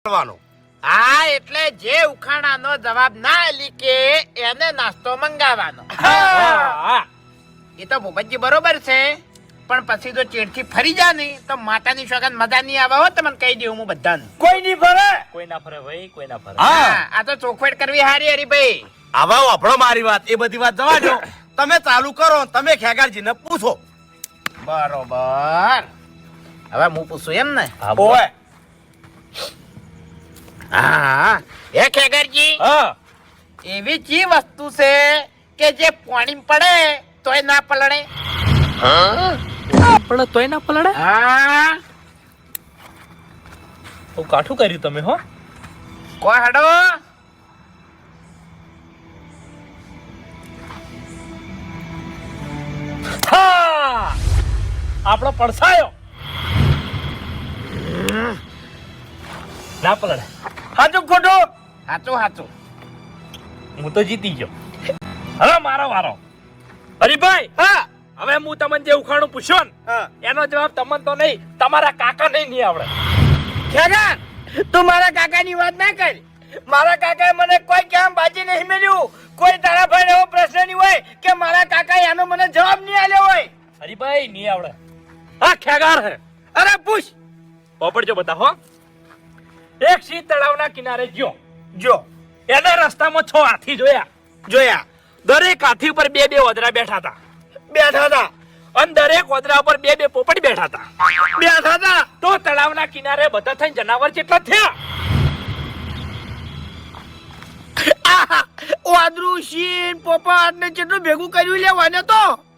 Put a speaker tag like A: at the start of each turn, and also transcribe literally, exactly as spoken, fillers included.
A: હા એટલે જે ઉખાણાનો જવાબ ના લીકે એને નાસ્તો મંગાવવાનો. એ તો ભૂપતજી બરોબર છે, પણ પછી જો ચેડથી ફરી જા ને તો માતાની સોગંદ મજા નહીં આવે હો. તમને કહી દઉં હું બધાને.
B: કોઈ નહીં ફરે,
C: કોઈ ના ફરે ભાઈ, કોઈ ના ફરે.
A: હા આ તો ચોખવટ કરવી હારી હરીભાઈ.
B: હવે વાપરો મારી વાત, એ બધી વાત જવા દો. તમે ચાલુ કરો, તમે ખેગારજીને પૂછો.
A: બરોબર, હવે હું પૂછું એમ ને?
C: હા, બોલ.
B: ઓય
A: હા એ ખેગરજી,
C: હા,
A: એવી ચી વસ્તુ છે કે જે પાણી પડે તોય ના પલળે?
C: પણ તોય ના પલળે.
A: હા
C: બહુ કાઠું કર્યું તમે હો.
A: કોઈ હડો.
C: હા, આપણો પડછાયો ના પલળે.
B: હાચું ખોટું?
A: હાચું હાચું.
C: હું તો જીતી ગયો. હવે મારો વારો. હરીભાઈ,
B: હા
C: હવે હું તમને જે ઉખાણું પૂછ્યો ને
B: હા.
C: એનો જવાબ તમને તો નહીં, તમારા કાકા નહીં નહીં આવડે.
A: ખેગર, તું મારા કાકાની વાત ના કર. મારા કાકાએ મને કોઈ કેમ બાજી નહીં મેલ્યું. કોઈ તારા ભાઈ એવો પ્રશ્ન નહીં હોય કે મારા કાકાએ આનો મને જવાબ નહીં આલ્યો હોય.
C: હરીભાઈ નહીં આવડે. હા, ખેગાર હે.
A: અરે પૂછ.
C: પોપડજો બતાવો. એક સિંહ તળાવના કિનારે ગયો.
B: જો
C: એને રસ્તામાં છ હાથી જોયા.
B: જોયા,
C: દરેક હાથી ઉપર બે બે ઓદરા બેઠા હતા.
B: બેઠા હતા
C: અને દરેક ઓદરા ઉપર બે બે પોપટ બેઠા હતા.
B: બેઠા હતા
C: તો તળાવના કિનારે બધા થઈને જનાવર કેટલા થયા?
B: વાદરું શીન પોપટ ને કેટલું ભેગું કર્યું લેવાને તો